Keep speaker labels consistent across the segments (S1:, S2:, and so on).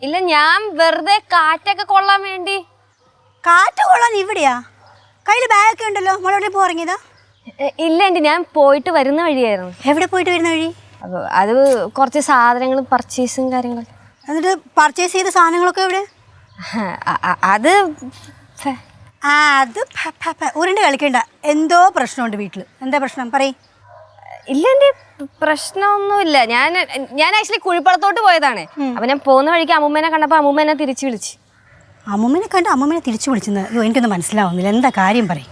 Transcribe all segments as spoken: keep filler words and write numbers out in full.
S1: ഇല്ല, ഞാൻ വെറുതെ കാറ്റൊക്കെ കൊള്ളാൻ വേണ്ടി.
S2: കാറ്റ് കൊള്ളാൻ ഇവിടെയാ? കയ്യിൽ ബാഗൊക്കെ ഉണ്ടല്ലോ, മോളോടെ പോറങ്ങിയതാ?
S1: ഇല്ല ആൻറ്റി, ഞാൻ പോയിട്ട് വരുന്ന വഴിയായിരുന്നു.
S2: എവിടെ പോയിട്ട് വരുന്ന വഴി?
S1: അപ്പോൾ അത് കുറച്ച് സാധനങ്ങളും പർച്ചേസും കാര്യങ്ങളും.
S2: എന്നിട്ട് പർച്ചേസ് ചെയ്ത സാധനങ്ങളൊക്കെ എവിടെ?
S1: അത്
S2: ആ അത് ഉരുണ്ട് കളിക്കണ്ട. എന്തോ പ്രശ്നമുണ്ട് വീട്ടിൽ. എന്താ പ്രശ്നം പറയ്.
S1: ഇല്ല ആൻറ്റി, പ്രശ്നമൊന്നുമില്ല. ഞാൻ ഞാൻ ആക്ച്വലി കുഴിപ്പടത്തോട്ട് പോയതാണ്. അപ്പം ഞാൻ പോകുന്ന വഴിക്ക് അമ്മൂമ്മേനെ കണ്ടപ്പോൾ അമ്മൂമ്മ എന്നെ തിരിച്ചു വിളിച്ചു.
S2: അമ്മൂമ്മനെ കണ്ട് അമ്മൂമ്മനെ തിരിച്ചു വിളിച്ചെന്ന്? അയ്യോ, എനിക്കൊന്നും മനസ്സിലാവുന്നില്ല. എന്താ കാര്യം പറയും.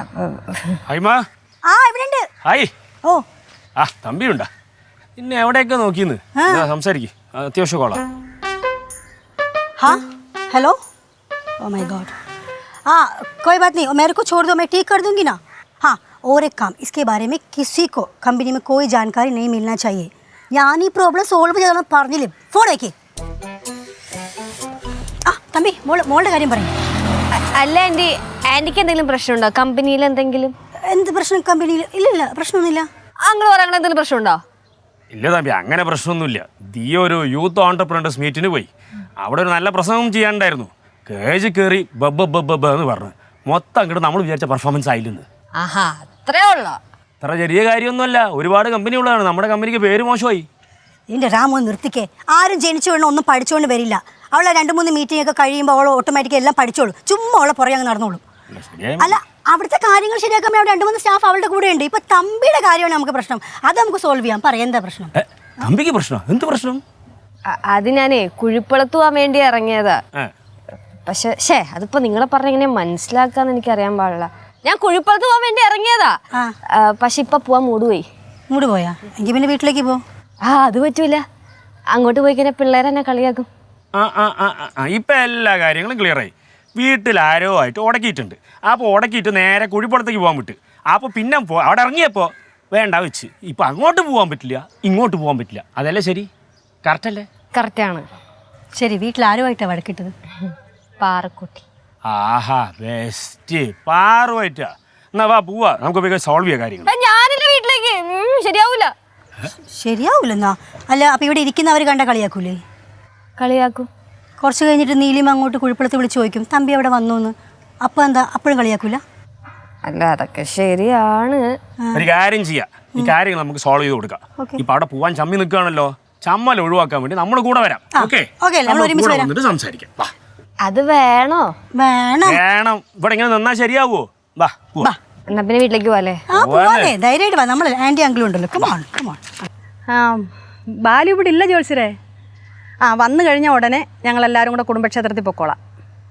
S2: ആ ഇവിടെ ഉണ്ട്. ഓ
S3: ആ തമ്പിയുണ്ടാ? പിന്നെ എവിടെയൊക്കെ നോക്കിന്ന് സംസാരിക്കും. അത്യാവശ്യം കോളാ.
S2: हाँ हेलो, ओ माय गॉड. हाँ कोई बात नहीं, मेरे को छोड़ दो, मैं ठीक कर दूंगी ना. हाँ और एक काम, इसके बारे में किसी को कंपनी में कोई जानकारी नहीं मिलना चाहिए. ഞാൻ ഈ പ്രോബ്ലം സോൾവ് ചെയ്യണം പറഞ്ഞില്ലേ. ഫോൺ വയ്ക്കേ. ആ തമ്പി, മോൾ മോളുടെ കാര്യം പറയും.
S1: അല്ല ആൻറ്റി, ആൻറ്റിക്ക് എന്തെങ്കിലും പ്രശ്നമുണ്ടോ കമ്പനിയിൽ? എന്തെങ്കിലും
S2: എന്ത് പ്രശ്നം കമ്പനിയിൽ? ഇല്ല ഇല്ല, പ്രശ്നമൊന്നുമില്ല.
S1: അങ്ങനെ പറയാൻ എന്തെങ്കിലും പ്രശ്നമുണ്ടോ?
S3: ഇല്ല തമ്പി, അങ്ങനെ പ്രശ്നമൊന്നുമില്ല. ദിയ ഒരു യൂത്ത് ഓൺടർപ്രണേഴ്സ് മീറ്റിന് പോയി. അവിടെ ഒരു നല്ല പ്രസംഗം ചെയ്യാനുണ്ടായിരുന്നു. കേജ് കയറി ബബ്ബ ബബ്ബ എന്ന് പറഞ്ഞു. മൊത്തം അങ്ങോട്ട് നമ്മൾ വിചാരിച്ച പെർഫോമൻസ് ആയില്ലെന്ന്.
S1: ആഹാ, അത്രേ ഉള്ളോ?
S3: അത്ര ചെറിയ കാര്യമൊന്നുമല്ല. ഒരുപാട് കമ്പനി ഉള്ളതാണ്. നമ്മുടെ കമ്പനിക്ക് പേര് മോശമായി.
S2: എൻ്റെ രാമോ നിർത്തിക്കേ. ആരും ജനിച്ചു വേണം ഒന്നും പഠിച്ചുകൊണ്ട് വരില്ല. അവളെ രണ്ട് മൂന്ന് മീറ്റിംഗ് ഒക്കെ കഴിയുമ്പോൾ അവൾ ഓട്ടോമാറ്റിക്കലി എല്ലാം പഠിച്ചോളൂ. ചുമ്മാ അവളെ പുറകെ അങ്ങ് നടന്നോളൂ. അല്ല, അവിടുത്തെ കാര്യങ്ങൾ ശരിയാക്കാൻ അവിടെ രണ്ട് മൂന്ന് സ്റ്റാഫ് അവളുടെ കൂടെ ഉണ്ട്. ഇപ്പൊ തമ്പിയുടെ കാര്യമാണ് നമുക്ക് പ്രശ്നം. അത് നമുക്ക് സോൾവ് ചെയ്യാം. പറയാം എന്താ പ്രശ്നം?
S3: തമ്പിക്ക് പ്രശ്നം? എന്ത് പ്രശ്നം?
S1: അത് ഞാനേ കുഴിപ്പളത്ത് പോവാൻ വേണ്ടി ഇറങ്ങിയതാ. പക്ഷെ ഷേ അതിപ്പോ നിങ്ങളെ പറഞ്ഞ എങ്ങനെ മനസ്സിലാക്കാന്ന് എനിക്ക് അറിയാൻ പാടില്ല. ഞാൻ കുഴിപ്പളത്ത് പോവാൻ വേണ്ടി ഇറങ്ങിയതാ. പക്ഷെ ഇപ്പൊ പോവാൻ മൂട് പോയി.
S2: മൂട് പോയാ? എങ്കിൽ പിന്നെ വീട്ടിലേക്ക് പോ.
S1: ആ അത് പറ്റൂല. അങ്ങോട്ട് പോയി കഴിഞ്ഞാൽ പിള്ളേരെന്നെ കളിയാക്കും.
S3: ആ ആ ആ ഇപ്പൊ എല്ലാ കാര്യങ്ങളും ക്ലിയർ ആയി. വീട്ടിൽ ആരോ ആയിട്ട് ഉടക്കിയിട്ടുണ്ട്. അപ്പോൾ ഉടക്കിയിട്ട് നേരെ കുഴിപ്പുറത്തേക്ക് പോകാൻ വിട്ട്. അപ്പോൾ പിന്നെ പോ അവിടെ ഇറങ്ങിയപ്പോൾ വേണ്ട വെച്ച്. ഇപ്പം അങ്ങോട്ട് പോകാൻ പറ്റില്ല, ഇങ്ങോട്ട് പോകാൻ പറ്റില്ല. അതല്ലേ ശരി? കറക്റ്റ് അല്ലേ?
S1: കറക്റ്റാണ്.
S2: ശരി, വീട്ടിൽ ആരുമായിട്ടാണ് വഴക്കിട്ടത്?
S1: പാറക്കുട്ടി.
S3: ആഹാ ബെസ്റ്റ്. പാറുമായിട്ടാ? എന്നാ വാ പോവാ, നമുക്ക് പോയി സോൾവ് ചെയ്യാൻ കാര്യങ്ങൾ.
S1: ഞാനില്ല വീട്ടിലേക്ക്. ശരിയാവൂല.
S2: ശരിയാവൂലെന്നാ? അല്ല, അപ്പം ഇവിടെ ഇരിക്കുന്നവർ കണ്ട കളിയാക്കൂലേ?
S1: കളിയാക്കും.
S2: കുറച്ച് കഴിഞ്ഞിട്ട് നീലിമ അങ്ങോട്ട് കുഴിപ്പളത്ത് വിളിച്ച് ചോദിക്കും തമ്പി അവിടെ വന്നു എന്ന്. അപ്പം എന്താ അപ്പോഴും കളിയാക്കൂല?
S1: അല്ല, അതൊക്കെ ശരിയാണ്.
S3: ഒരു കാര്യം ചെയ്യാം, ഈ കാര്യങ്ങൾ നമുക്ക് സോൾവ് ചെയ്ത് കൊടുക്കാം. ഇപ്പൊ അവിടെ പോവാൻ ചമ്മി നിൽക്കുകയാണല്ലോ, ചമ്മൽ ഒഴിവാക്കാൻ വേണ്ടി നമ്മൾ കൂടെ വരാം. ഓക്കെ, സംസാരിക്കാം.
S1: അത് വേണോ?
S2: വേണം
S3: വേണം. ഇവിടെ ഇങ്ങനെ നിന്നാ ശരിയാവോ? വാ പോവാ.
S1: എന്നാ പിന്നെ വീട്ടിലേക്ക് പോവാല്ലേ?
S2: ആ പോവാല്ലേ, ധൈര്യമായിട്ട് വാ. നമ്മൾ ആന്റി അങ്കിളും ഉണ്ടല്ലോ. Come on come on.
S4: ആ ബാലു ഇവിടെ ഇല്ല ജോത്സ്യരെ. ആ വന്നു കഴിഞ്ഞാൽ ഉടനെ ഞങ്ങളെല്ലാവരും കൂടെ കുടുംബക്ഷേത്രത്തിൽ പൊക്കോളാം.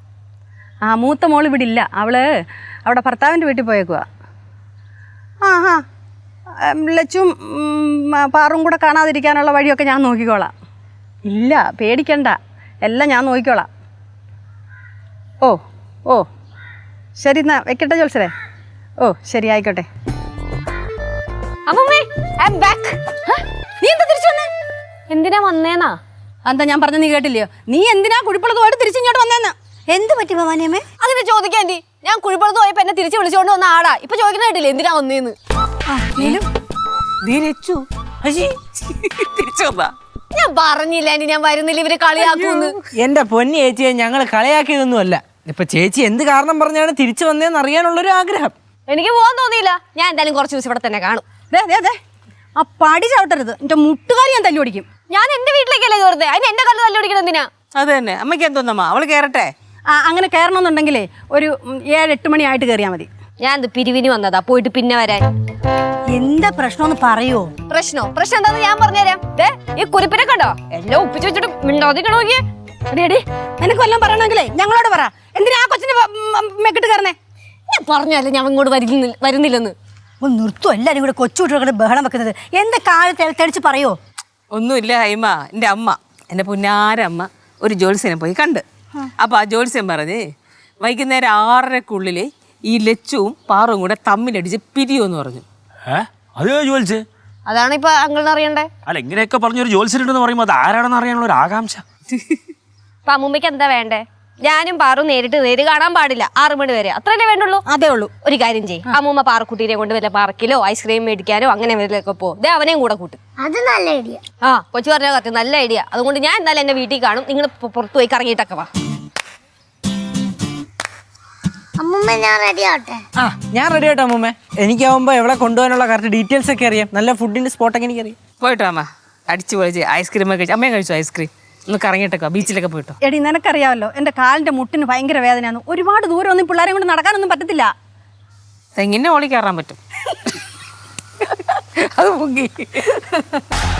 S4: ആ മൂത്ത മോൾ ഇവിടെ ഇല്ല. അവള് അവിടെ ഭർത്താവിൻ്റെ വീട്ടിൽ പോയേക്കുക. ആ ഹാ ലച്ചും പാറും കൂടെ കാണാതിരിക്കാനുള്ള വഴിയൊക്കെ ഞാൻ നോക്കിക്കോളാം. ഇല്ല പേടിക്കണ്ട, എല്ലാം ഞാൻ നോക്കിക്കോളാം. ഓ ഓ ശരി, എന്നാ വെക്കട്ടെ ജോത്സ്യരെ. ഓ ശരി, ആയിക്കോട്ടെ.
S1: നീ എന്താ തിരിച്ചു വന്നേ? എന്തിനാ വന്നേന്നാ?
S4: എന്താ ഞാൻ പറഞ്ഞ നീ കേട്ടില്ലയോ? നീ എന്തിനാ കുഴിപ്പുളത്ത് പോയിട്ട് തിരിച്ചിങ്ങോട്ട് വന്നേന്ന്?
S2: എന്ത് പറ്റി ഭവാനിയമ്മേ?
S1: അങ്ങനെ ചോദിക്കാൻ ആന്റി. ഞാൻ കുഴിപ്പുറത്ത് പോയപ്പോ എന്നെ തിരിച്ചു വിളിച്ചോണ്ട് വന്ന ആടാ. ഇപ്പൊ ചോദിക്കുന്ന കേട്ടില്ലേ എന്തിനാ വന്നേന്ന്? ഞാൻ പറഞ്ഞില്ല ആന്റി, ഞാൻ വരുന്നില്ല, ഇവര് കളിയാക്കൂന്ന്.
S5: എന്റെ പൊന്നി ചേച്ചിയെ ഞങ്ങൾ കളിയാക്കിയതൊന്നുമല്ല. ഇപ്പൊ ചേച്ചി എന്ത് കാരണം പറഞ്ഞാണ് തിരിച്ചു വന്നതെന്ന് അറിയാനുള്ളൊരു ആഗ്രഹം.
S1: എനിക്ക് പോകാൻ തോന്നിയില്ല. ഞാൻ എന്തായാലും കുറച്ച് ദിവസം ഇവിടെ തന്നെ കാണും.
S4: ആ പടി ചവിട്ടരുത്, എന്റെ മുട്ടുകാരി ഞാൻ തല്ലി ഓടിക്കും.
S1: ഞാൻ എന്റെ വീട്ടിലേക്കല്ലേ കയറുന്നത്, അതിന് എന്റെ കല്ല് തല്ലി ഓടിക്കണം എന്തിനാ?
S5: അത് തന്നെ അമ്മയ്ക്ക് എന്തോന്നമ്മ, അവള് കയറട്ടെ.
S4: ആ അങ്ങനെ കയറണമെന്നുണ്ടെങ്കിലേ ഒരു ഏഴ് എട്ട് മണി ആയിട്ട് കയറിയാൽ മതി.
S1: ഞാൻ ഇത് പിരിവിന് വന്നതാ, പോയിട്ട് പിന്നെ വരാൻ.
S2: എന്താ പ്രശ്നം പറയോ?
S1: പ്രശ്നോ? പ്രശ്നം എന്താന്ന് ഞാൻ പറഞ്ഞുതരാം. ഈ കുരിപ്പിനെ കണ്ടോ, എല്ലാം ഒപ്പിച്ചു വെച്ചിട്ട് മിണ്ടാതിരിക്കണ നോക്കിയേ.
S4: അടിയടി നിനക്ക് വല്ലതും പറയണമെങ്കിലേ ഞങ്ങളോട് പറ. എന്തിനാ ആ കൊച്ചിന്റെ മെക്കിട്ട് കയറണേ?
S1: ഞാൻ പറഞ്ഞല്ലേ ഞാൻ ഇങ്ങോട്ട് വരുന്നില്ല വരുന്നില്ലെന്ന്.
S2: നിർത്തും എല്ലാരും കൂടെ കൊച്ചുകുട്ടികളെ ബഹളം വെക്കുന്നത്. എന്താ കാലത്ത് തെളിച്ച് പറയോ?
S5: ഒന്നുമില്ല ഹൈമ, എൻ്റെ അമ്മ, എൻ്റെ പുന്നാരമ്മ ഒരു ജോത്സ്യനെ പോയി കണ്ട്. അപ്പോൾ ആ ജോത്സ്യൻ പറഞ്ഞ് വൈകുന്നേരം ആറരക്കുള്ളിൽ ഈ ലച്ചുവും പാറും കൂടെ തമ്മിലടിച്ച് പിരിയുമെന്ന് പറഞ്ഞു.
S3: അത് ജോത്സ്യൻ?
S1: അതാണ് ഇപ്പൊ അങ്കിളിന് അറിയണ്ടേ.
S3: അല്ല, ഇങ്ങനെയൊക്കെ പറഞ്ഞൊരു ജോത്സ്യനുണ്ടെന്ന് പറയുമ്പോൾ അത് ആരാണെന്ന് അറിയാനുള്ള ഒരു ആകാംക്ഷ.
S1: അപ്പൊ അമ്മൂമ്മയ്ക്ക് എന്താ വേണ്ടേ? ഞാനും പാറും നേരിട്ട് നേര് കാണാൻ പാടില്ല ആറു മണി വരെ അത്രയല്ലേ വേണ്ടുള്ളൂ.
S2: അതേ ഉള്ളൂ.
S1: ഒരു കാര്യം ചെയ്യും അമ്മൂമ്മ പാറക്കുട്ടീനെ കൊണ്ട് വല്ല പാർക്കിലോ ഐസ്ക്രീം മേടിക്കാനോ അങ്ങനെ വല്ലതൊക്കെ പോ. ദേ അവനെയും കൂടെ കൂട്ടും.
S6: അത് നല്ല ഐഡിയ.
S1: ആ കൊച്ചു പറഞ്ഞ കറക്റ്റ് നല്ല ഐഡിയ. അതുകൊണ്ട് ഞാൻ എന്തായാലും എന്റെ വീട്ടിൽ കാണും. നിങ്ങൾ പുറത്തു പോയി കറങ്ങിയിട്ടൊക്കെ വാ.
S6: അമ്മൂമ്മ ഞാൻ റെഡി ആവട്ടെ?
S7: ആ ഞാൻ റെഡി ആയിട്ടോ അമ്മൂമ്മ. എനിക്കാവുമ്പോൾ എവിടെ കൊണ്ടുപോകാനുള്ള കറക്റ്റ് ഡീറ്റെയിൽസ് ഒക്കെ അറിയാം. നല്ല ഫുഡിൻ്റെ സ്പോട്ടൊക്കെ എനിക്കറിയാം.
S5: പോയിട്ടോ അമ്മ, അടിച്ചു പൊളിച്ച് ഐസ്ക്രീം ഒക്കെ കഴിച്ചു. അമ്മയും കഴിച്ചു ഐസ്ക്രീം. ഒന്ന് കറങ്ങിയിട്ടൊക്കെ ബീച്ചിലൊക്കെ പോയിട്ടോ.
S4: എടി നിനക്കറിയാമല്ലോ എൻ്റെ കാലിൻ്റെ മുട്ടിന് ഭയങ്കര വേദനയാണ്. ഒരുപാട് ദൂരം ഒന്നും പിള്ളേരെ കൊണ്ട് നടക്കാനൊന്നും പറ്റത്തില്ല.
S5: തെങ്ങിൻ്റെ ഓളി കയറാൻ പറ്റും. അത് പൊങ്ങി.